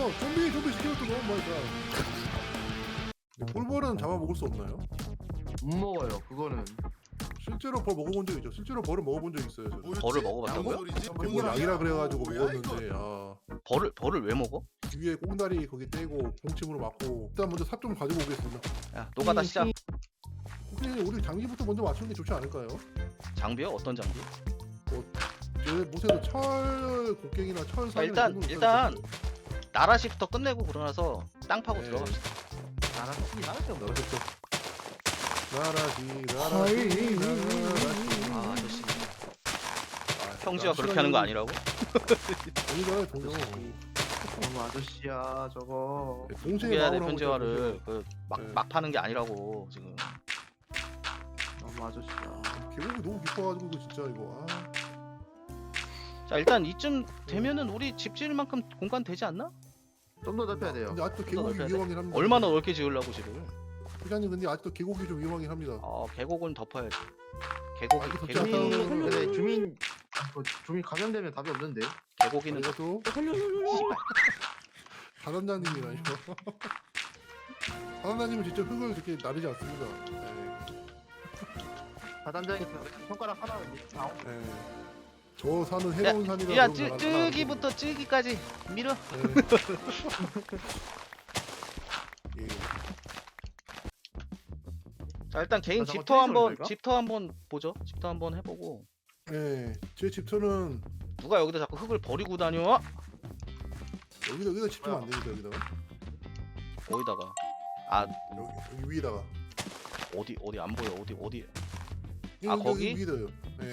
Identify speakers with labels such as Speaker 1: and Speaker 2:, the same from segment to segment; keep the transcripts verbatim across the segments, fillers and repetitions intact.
Speaker 1: 뭐야? 좀비 좀비 스켈레톤 너무 많이 가. 꿀벌은 잡아먹을 수 없나요?
Speaker 2: 못 먹어요. 그거는.
Speaker 1: 실제로 벌 먹어본 적 있죠. 실제로 벌을 먹어본 적 있어요. 저는.
Speaker 3: 벌을 먹어봤다고요?
Speaker 1: 뭐 양이라 그래가지고 먹었는데 아
Speaker 3: 벌을 벌을 왜 먹어?
Speaker 1: 위에 꽁다리 거기 떼고 봉침으로 맞고 일단 먼저 삽 좀 가지고 오겠습니다.
Speaker 3: 야 노가다 시작.
Speaker 1: 혹시 우리 장비부터 먼저 맞추는 게 좋지 않을까요?
Speaker 3: 장비요? 어떤 장비?
Speaker 1: 제 못해도 철 곡괭이나 철
Speaker 3: 자,
Speaker 1: 사이를
Speaker 3: 일단
Speaker 1: 정도는
Speaker 3: 일단 나라시부터 끝내고 그러나서 땅 파고
Speaker 1: 네.
Speaker 3: 들어갑시다.
Speaker 2: 나랑 나랑 좀
Speaker 1: 나라시 나라시 나라시 나라시
Speaker 3: 아 아저씨
Speaker 1: 아,
Speaker 3: 평지가 그렇게 하는 거 아니라고?
Speaker 1: 아니잖아요 동정.
Speaker 2: 너무 아저씨야 저거.
Speaker 1: 동생의
Speaker 3: 포기해야 돼
Speaker 1: 마음을 하고
Speaker 3: 편지화를
Speaker 1: 있잖아요.
Speaker 3: 그막
Speaker 1: 네.
Speaker 3: 막 파는 게 아니라고 지금.
Speaker 2: 너무 아저씨야.
Speaker 1: 계곡이 너무 깊어가지고 이거 진짜 이거 아.
Speaker 3: 자 일단 이쯤 되면은 우리 집 지을 만큼 공간 되지 않나?
Speaker 2: 좀 더 넓혀야 돼요.
Speaker 1: 근데 아직도
Speaker 3: 더
Speaker 1: 계곡이
Speaker 3: 넓혀야 돼?
Speaker 1: 위험하긴 합니다.
Speaker 3: 얼마나 넓게 지으려고 집을?
Speaker 1: 회장님 근데 아직도 계곡이 좀 위험하긴 합니다.
Speaker 3: 어 계곡은 덮어야지.
Speaker 1: 아,
Speaker 3: 계곡이
Speaker 1: 이거
Speaker 3: 계곡
Speaker 1: 진짜
Speaker 2: 주민 근데 주민 그 주민 감염되면 답이 없는데.
Speaker 3: 계곡이는
Speaker 1: 이것도 사단장님이라 이거. 사단장님은 직접 흙을 그렇게 나르지 않습니다. 네.
Speaker 2: 사단장이 손가락 하나 아,
Speaker 1: 네. 저 산은 해로운 산이라
Speaker 3: 야
Speaker 1: 그런
Speaker 3: 쯔,
Speaker 1: 거
Speaker 3: 쯔기부터 쯔기까지 밀어.
Speaker 1: 네. 예.
Speaker 3: 자 일단 개인
Speaker 2: 아, 잠깐,
Speaker 3: 집터 한번
Speaker 2: 트레이서를
Speaker 3: 집터 한번 보죠. 집터 한번 해보고
Speaker 1: 네. 제 집터는
Speaker 3: 누가 여기다 자꾸 흙을 버리고 다녀?
Speaker 1: 여기다 여기다 집터면 안 됩니다. 여기다가
Speaker 3: 어디다가? 아
Speaker 1: 여기 여기 위에다가.
Speaker 3: 어디 어디 안 보여 어디 어디
Speaker 1: 여기,
Speaker 3: 아,
Speaker 1: 여기
Speaker 3: 거기?
Speaker 1: 위에다요. 네.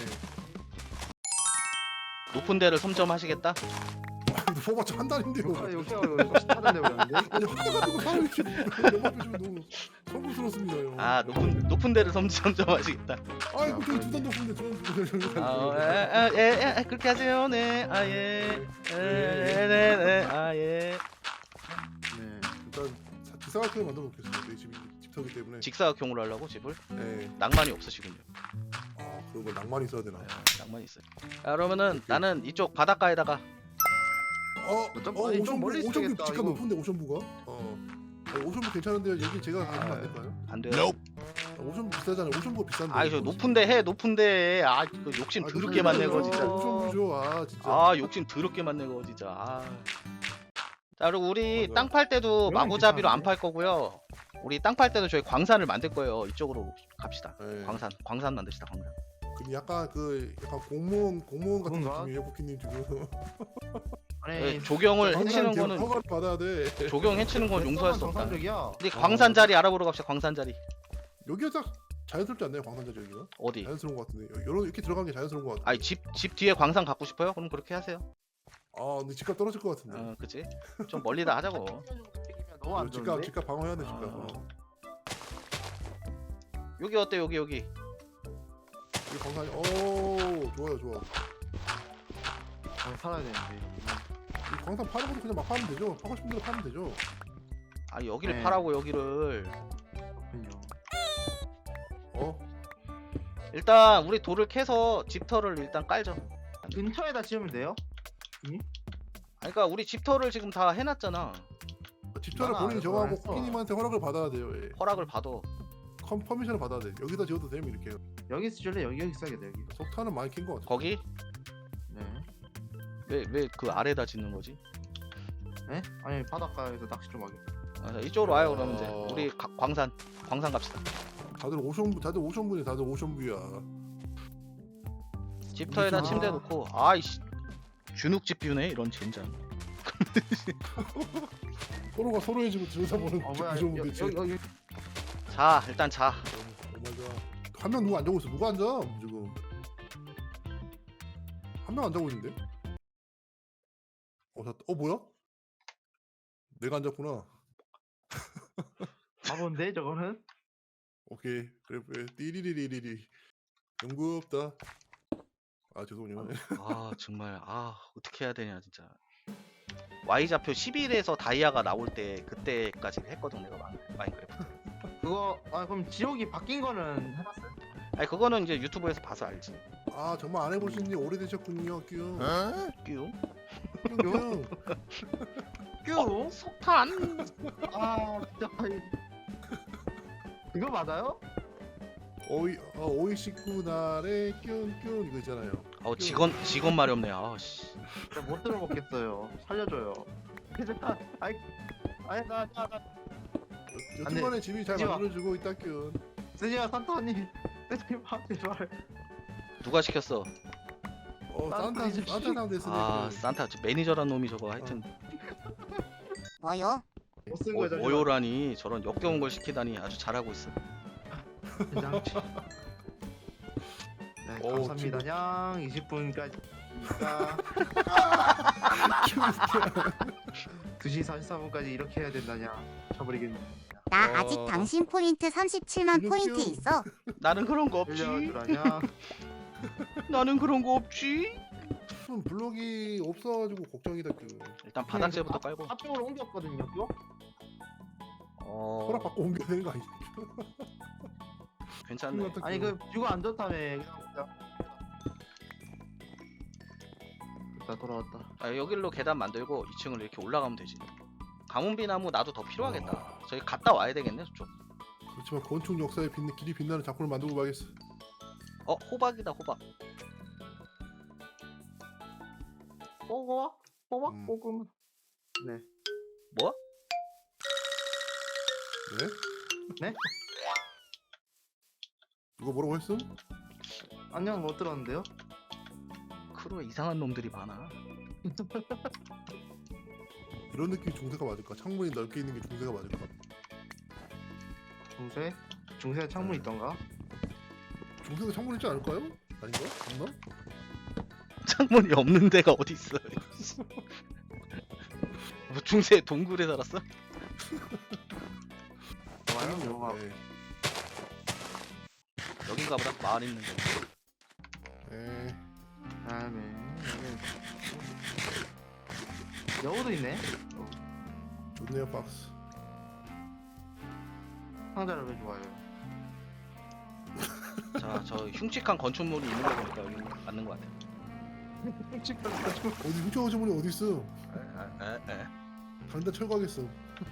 Speaker 3: 높은 데를 섬점하시겠다?
Speaker 1: 뽑았자 한 달인데요.
Speaker 2: 아, 여기가 여기 사단대 버렸는데.
Speaker 1: 아니 하나 가지고 사람이 이렇게 영업해주면 너무 성공스럽습니다요.
Speaker 3: 아 높은 높은 데를 섬, 섬점하시겠다.
Speaker 1: 아이고 저기 두산 높은데 두산
Speaker 3: 아예예 그렇게 하세요. 네 아예 네네네 아예
Speaker 2: 네.
Speaker 1: 일단 기사각형을 만들어 놓겠습니다. 내 집이 집터기 때문에.
Speaker 3: 직사각형으로 하려고 집을
Speaker 1: 네.
Speaker 3: 낭만이 없으시군요.
Speaker 1: 아 그런 거 낭만 있어야 되나?
Speaker 3: 네, 낭만이 있어요. 자, 그러면은 나는 이쪽 바닷가에다가
Speaker 1: 어,
Speaker 2: 좀-
Speaker 1: 어
Speaker 2: 아니, 좀
Speaker 1: 오션부
Speaker 2: 멀리
Speaker 1: 오션부
Speaker 2: 있어야겠다,
Speaker 1: 집값
Speaker 2: 이거.
Speaker 1: 높은데 오션부가? 어. 어 오션부 괜찮은데요. 여기 제가 가면 안 될까요?
Speaker 3: 안 돼요.
Speaker 1: 아, 오션부 비싸잖아요. 오션부가 비싼데.
Speaker 3: 아 이거 높은데 해 높은데 아 이거 욕심 더럽게 많네 거 진짜.
Speaker 1: 오션부죠. 아 진짜.
Speaker 3: 아 욕심 더럽게 많네 거 진짜. 아. 자 그리고 우리
Speaker 1: 맞아요.
Speaker 3: 땅 팔 때도
Speaker 2: 그러면
Speaker 3: 마구잡이로 안
Speaker 2: 괜찮은데?
Speaker 3: 팔 거고요. 우리 땅 팔 때도 저희 광산을 만들 거예요. 이쪽으로 갑시다.
Speaker 1: 네.
Speaker 3: 광산 광산 만듭시다 광산.
Speaker 1: 그럼 약간 그 약간 공무원 공무원 같은
Speaker 2: 그런가?
Speaker 1: 느낌이에요, 포키님 지금.
Speaker 2: 아니
Speaker 3: 네, 조경을 해치는
Speaker 1: 광산
Speaker 3: 거는
Speaker 1: 허가를 받아야 돼.
Speaker 3: 조경 해치는 건 용서할 수 없다.
Speaker 2: 정상적이야.
Speaker 3: 근데 광산 자리 알아보러 갑시다. 광산 자리
Speaker 1: 여기가 딱 자연스럽지 않나요, 광산자 여기가?
Speaker 3: 어디?
Speaker 1: 자연스러운 것 같은데. 이런 이렇게 들어간 게 자연스러운 것 같아.
Speaker 3: 아니 집 집 뒤에 광산 갖고 싶어요? 그럼 그렇게 하세요.
Speaker 1: 아 근데 집값 떨어질 것 같은데.
Speaker 3: 어 그치? 좀 멀리다 하자고.
Speaker 2: 너무 안
Speaker 1: 집값
Speaker 2: 좋은데.
Speaker 1: 집값 방어해야 돼 집값.
Speaker 3: 아.
Speaker 1: 어.
Speaker 3: 여기 어때 여기 여기?
Speaker 1: 이 광산이 오 좋아요 좋아.
Speaker 2: 아, 살아야 되는데.
Speaker 1: 이 광산 파는 것도 그냥 막 파면 되죠. 파고 싶은 대로 파면 되죠.
Speaker 3: 아 여기를
Speaker 2: 네.
Speaker 3: 파라고 여기를.
Speaker 2: 그렇군요.
Speaker 1: 어?
Speaker 3: 일단 우리 돌을 캐서 집터를 일단 깔죠.
Speaker 2: 근처에다 지으면 돼요?
Speaker 3: 아니, 그러니까 우리 집터를 지금 다 해놨잖아.
Speaker 1: 집터를
Speaker 2: 나는
Speaker 1: 본인이
Speaker 2: 안
Speaker 1: 정하고
Speaker 2: 했어.
Speaker 1: 코키님한테 허락을 받아야 돼요. 예.
Speaker 3: 허락을 받아.
Speaker 1: 컴 퍼미션을 받아야 돼. 여기다 지어도 되면 이렇게.
Speaker 2: 여기 쓰줄래? 여기 여기 써야겠다 여기.
Speaker 1: 석탄은 많이 캔 것 같아.
Speaker 3: 거기
Speaker 2: 네.
Speaker 3: 왜 왜 그 아래다 짓는 거지?
Speaker 2: 네? 아니 바닷가에서 낚시 좀 하게.
Speaker 3: 아, 자, 이쪽으로 와요 그러면 이제
Speaker 1: 어.
Speaker 3: 우리 가, 광산 광산 갑시다.
Speaker 1: 다들 오션부 다들 오션부네 다들 오션부야.
Speaker 3: 집터에다
Speaker 1: 아.
Speaker 3: 침대 놓고 아이씨 주눅집 비우네 이런 젠장.
Speaker 1: 서로가 서로의 집을 들여다보는
Speaker 2: 어 뭐야?
Speaker 1: 오션부
Speaker 2: 여기
Speaker 1: 대체.
Speaker 2: 여기 여기.
Speaker 3: 자 일단 자.
Speaker 1: 오마이갓. 한 명 누가 안 자고 있어? 누가 안 자? 지금. 한 명 안 자고 있는데? 어, 자, 어 뭐야? 내가 안 잤구나.
Speaker 2: 바본데 저거는?
Speaker 1: 오케이. 그래 그래. 띠리리리리리. 연구 없다. 아 죄송해요.
Speaker 3: 아 정말 아 어떻게 해야 되냐 진짜. Y좌표 십일에서 다이아가 나올 때 그때까지 했거든 내가 마인- 마인크래프트.
Speaker 2: 그거 아 그럼 지옥이 바뀐 거는 해봤어요?
Speaker 3: 아니 그거는 이제 유튜브에서 봐서 알지.
Speaker 1: 아 정말 안 해보신 지 오래되셨군요, 뀨.
Speaker 3: 끼용?
Speaker 1: 뀨.
Speaker 2: 뀨?
Speaker 3: 석탄.
Speaker 2: 아 진짜 이- 이거 맞아요?
Speaker 1: 오이 어, 오이 식구 날에 뀨뀨 이거 있잖아요.
Speaker 3: 어 직원 직원 말이 없네. 아씨.
Speaker 2: 진짜 못 들어먹겠어요. 살려줘요. 그래서 아이 아이 나나 나. 안 돼.
Speaker 1: 여튼간에 집이 잘
Speaker 2: 쓰지 마.
Speaker 1: 만들어주고 있다 뀨.
Speaker 2: 쓰지마 산타님. 쓰지마 제발.
Speaker 3: 누가 시켰어?
Speaker 1: 어
Speaker 2: 산타
Speaker 1: 산타
Speaker 2: 아저씨.
Speaker 1: 산타 상 됐으네.
Speaker 3: 아 산타 저 매니저란 놈이 저거 하여튼
Speaker 4: 뭐요?
Speaker 2: 못쓴
Speaker 3: 뭐,
Speaker 2: 거야 잠시만.
Speaker 3: 모요라니 저런 역겨운 걸 시키다니 아주 잘하고 있어.
Speaker 2: 장치. 네
Speaker 1: 어우,
Speaker 2: 감사합니다. 냥 이십 분까지. 두 시 사십사 분까지 이렇게 해야 된다냐. 쳐버리겠네.
Speaker 4: 나
Speaker 1: 어.
Speaker 4: 아직 당신 포인트 삼십칠만
Speaker 1: 근육
Speaker 4: 포인트
Speaker 1: 좀.
Speaker 4: 있어.
Speaker 3: 나는 그런 거 없지.
Speaker 2: 빌려주라냐.
Speaker 3: 나는 그런 거 없지.
Speaker 1: 무슨 블록이 없어가지고 걱정이다 뀨.
Speaker 3: 일단 바닥재부터 깔고.
Speaker 2: 앞쪽으로 옮겼거든요. 요?
Speaker 3: 어
Speaker 1: 허락 받고 옮겨야 되는 거 아니야?
Speaker 3: 괜찮네.
Speaker 2: 아니 그 뷰가 안 좋다며. 그냥 됐다 돌아왔다.
Speaker 3: 아, 여기로 계단 만들고 이 층을 이렇게 올라가면 되지. 가문비 나무 나도 더 필요하겠다. 저기 갔다 와야 되겠네 저쪽.
Speaker 1: 그렇지만 건축 역사에 빛 길이 빛나는 작품을 만들고 가겠어.
Speaker 3: 어 호박이다 호박.
Speaker 2: 뽀고와? 뽀박
Speaker 1: 음.
Speaker 2: 뽀금. 네.
Speaker 3: 뭐?
Speaker 1: 네?
Speaker 2: 네?
Speaker 1: 누가 뭐라고 했음?
Speaker 2: 안녕 못 들었는데요?
Speaker 3: 크루에 이상한 놈들이 많아.
Speaker 1: 이런 느낌이 중세가 맞을까? 창문이 넓게 있는 게 중세가 맞을까?
Speaker 2: 중세? 중세 창문 있던가?
Speaker 1: 중세가 창문 있지 않을까요? 아닌가? 없나?
Speaker 3: 창문이 없는 데가 어디 있어? 뭐 중세 동굴에 살았어?
Speaker 2: 좋아요? 영화.
Speaker 1: 네.
Speaker 3: 여긴가 보다. 마을 있는 데.
Speaker 1: 네.
Speaker 2: 다음에 여기 여우도 있네.
Speaker 1: 좋네요 박스.
Speaker 2: 상자를 왜 좋아해요?
Speaker 3: 자, 저 흉측한 건축물이 있는 거 보니까 여기 맞는 것 같아.
Speaker 1: 어디 훔쳐오신 분이 어디 있어?
Speaker 3: 에, 에.
Speaker 1: 당장 철거하겠어.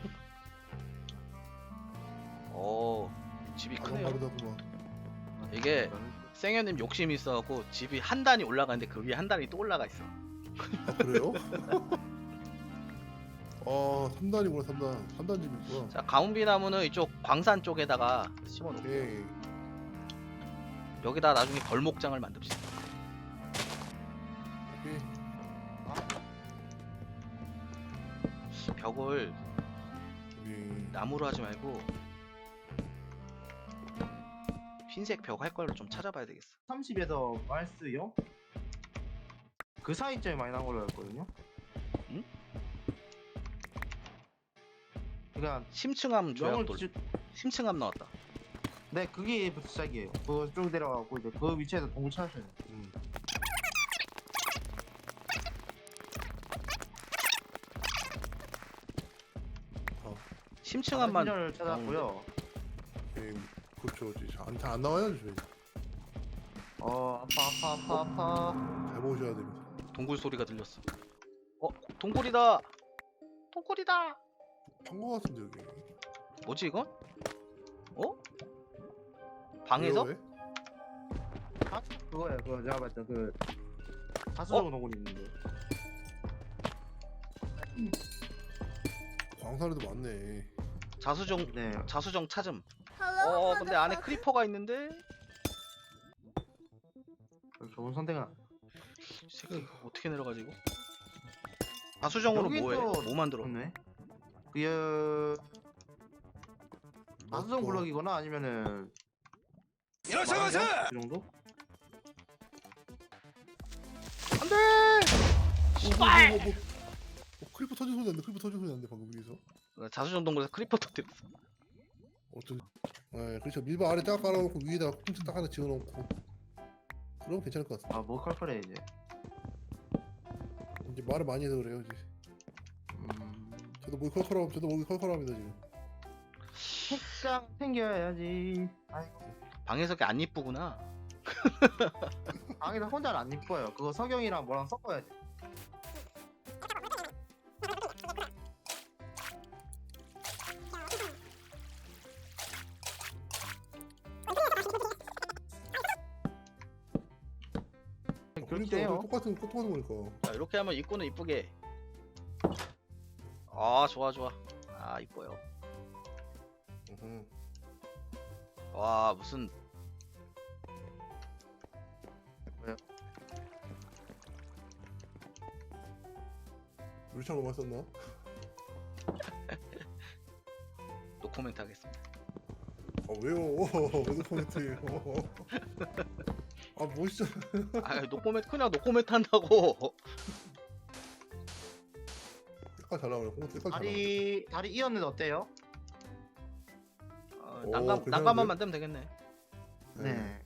Speaker 3: 오, 집이
Speaker 1: 가방
Speaker 3: 크네요.
Speaker 1: 바르다구만.
Speaker 3: 이게 생현님 욕심이 있어갖고 집이 한 단이 올라가는데 그 위에 한 단이 또 올라가 있어.
Speaker 1: 아 그래요? 아 삼 단이구나 삼 단. 삼 단 집이 있구나.
Speaker 3: 자, 가운비 나무는 이쪽 광산 쪽에다가 심어놓고
Speaker 1: 오케이.
Speaker 3: 여기다 나중에 벌목장을 만듭시다.
Speaker 1: 오케이.
Speaker 3: 벽을
Speaker 1: 오케이.
Speaker 3: 나무로 하지 말고 흰색 벽 할 걸로 좀 찾아봐야 되겠어.
Speaker 2: 삼십에서 마이너스요? 그 사이점이 많이 나온 걸로 알거든요.
Speaker 3: 응?
Speaker 2: 그러니까
Speaker 3: 심층암
Speaker 2: 영을
Speaker 3: 조약돌.
Speaker 2: 주...
Speaker 3: 심층암 나왔다.
Speaker 2: 네 그게부터 시작이에요. 그거 쭉 내려가고 이제 그 위치에서 동굴 찾으셔야 돼요.
Speaker 1: 음.
Speaker 3: 심층암만
Speaker 2: 신전을 찾았고요.
Speaker 1: 오케이. 그렇죠. 안잘 안 나와요 집에.
Speaker 2: 어 아파 아파 아파 아파.
Speaker 1: 잘 보셔야 됩니다.
Speaker 3: 동굴 소리가 들렸어. 어, 동굴이다. 동굴이다.
Speaker 1: 판거 같은데 여기.
Speaker 3: 뭐지 이건? 어? 방에서?
Speaker 1: 왜요, 왜?
Speaker 2: 아 그거예요. 그거 제가 봤던 그 다수적 동굴이 있는데.
Speaker 1: 광산에도 많네.
Speaker 3: 자수정
Speaker 2: 네.
Speaker 3: 자수정 찾음. 어, 근데 안에 크리퍼가 있는데.
Speaker 2: 좋은 선택은 아니에요.
Speaker 3: 이 새끼 어떻게 내려가지 이거? 자수정으로
Speaker 2: 여기
Speaker 3: 뭐해?
Speaker 2: 또-
Speaker 3: 뭐 만들어?
Speaker 2: 그렇네. 그 다수적
Speaker 1: 뭐,
Speaker 2: 블럭이거나 아니면은
Speaker 3: 일어서서!
Speaker 2: 그 정도?
Speaker 3: 안돼!
Speaker 1: 뭐, 뭐, 뭐, 뭐, 뭐, 크리퍼 터진 소리 난다. 크리퍼 터진 소리 난다 방금 여기서.
Speaker 3: 자수정 동굴에서 크리퍼 터뜨렸어.
Speaker 1: 어떤? 네, 그렇죠. 밀바 아래 딱 깔아놓고 위에다가 쿵치 딱 하나 지어놓고. 그럼 괜찮을 것 같아.
Speaker 2: 아뭐 컬컬해 이제.
Speaker 1: 이제 말을 많이 해서 그래요 이제.
Speaker 2: 음...
Speaker 1: 저도 목이 컬컬하고 저도 목이 컬컬합니다 지금.
Speaker 2: 책상 챙겨야지. 아이고.
Speaker 3: 방해석이 안 이쁘구나.
Speaker 2: 방에서 혼자는 안 이뻐요. 그거 석영이랑 뭐랑 섞어야지. 그렇게
Speaker 1: 그러니까
Speaker 2: 해요.
Speaker 1: 똑같은 똑같은 거니까.
Speaker 3: 자, 이렇게 하면 입구는 이쁘게. 아 좋아 좋아. 아 이뻐요.
Speaker 1: 어허.
Speaker 3: 와 무슨
Speaker 1: 물창 너무 썼나?
Speaker 3: 노코멘트 하겠습니다.
Speaker 1: 아 왜요? 왜 코멘트예요? 아 멋있어.
Speaker 3: 아 노코멘트 그냥 노코멘트 한다고.
Speaker 1: 색깔 잘 나오네. 코멘트 색깔 잘 나오네.
Speaker 2: 다리 다리 이었는데 어때요?
Speaker 3: 어,
Speaker 1: 오,
Speaker 3: 난감
Speaker 1: 괜찮은데?
Speaker 3: 난감만 만들면 되겠네.
Speaker 2: 네.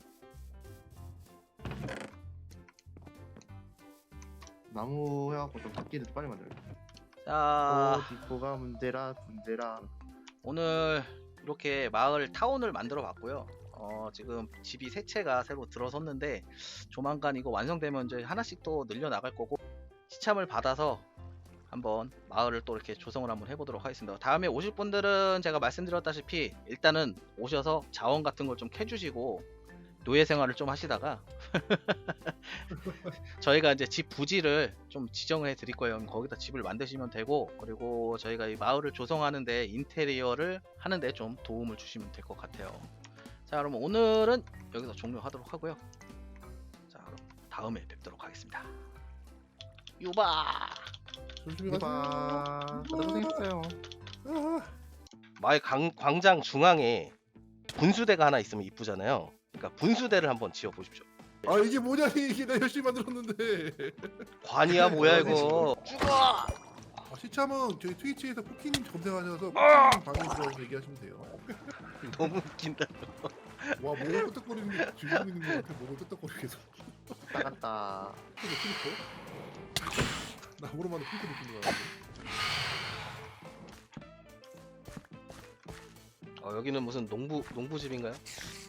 Speaker 2: 나무 해갖고 좀 바퀴를 빨리 만들어.
Speaker 3: 자
Speaker 2: 디코가 문제라 문제라.
Speaker 3: 오늘 이렇게 마을 타운을 만들어 봤고요. 어, 지금 집이 세 채가 새로 들어섰는데 조만간 이거 완성되면 이제 하나씩 또 늘려 나갈 거고 시참을 받아서 한번 마을을 또 이렇게 조성을 한번 해보도록 하겠습니다. 다음에 오실 분들은 제가 말씀드렸다시피 일단은 오셔서 자원 같은 걸 좀 캐주시고 노예 생활을 좀 하시다가 저희가 이제 집 부지를 좀 지정을 해 드릴 거예요. 거기다 집을 만드시면 되고 그리고 저희가 이 마을을 조성하는데 인테리어를 하는데 좀 도움을 주시면 될 것 같아요. 자 그럼 오늘은 여기서 종료하도록 하고요. 자 그럼 다음에 뵙도록 하겠습니다. 유바.
Speaker 1: 조심히 가세요.
Speaker 2: 이봐. 고생했어요.
Speaker 1: 아.
Speaker 5: 마을 강- 광장 중앙에 분수대가 하나 있으면 이쁘잖아요. 그러니까 분수대를 한번 지어 보십시오.
Speaker 1: 아 이게 뭐냐 이게 나 열심히 만들었는데.
Speaker 5: 관이야 뭐야 이거.
Speaker 3: 죽어.
Speaker 1: 아, 시참은 저희 트위치에서 쿠키님 검색하셔서 쿠키님 방에 들어가서 얘기하시면 돼요.
Speaker 5: 너무 웃긴다.
Speaker 1: 와 목을 끄덕거리는 게 즐기고 있는 것 같아. 목을 끄덕거리고 계속.
Speaker 2: 나갔다.
Speaker 1: 근데 피리코? 나무로만 피리코 느끼는 거 같아.
Speaker 5: 어, 여기는 무슨 농부 농부집인가요?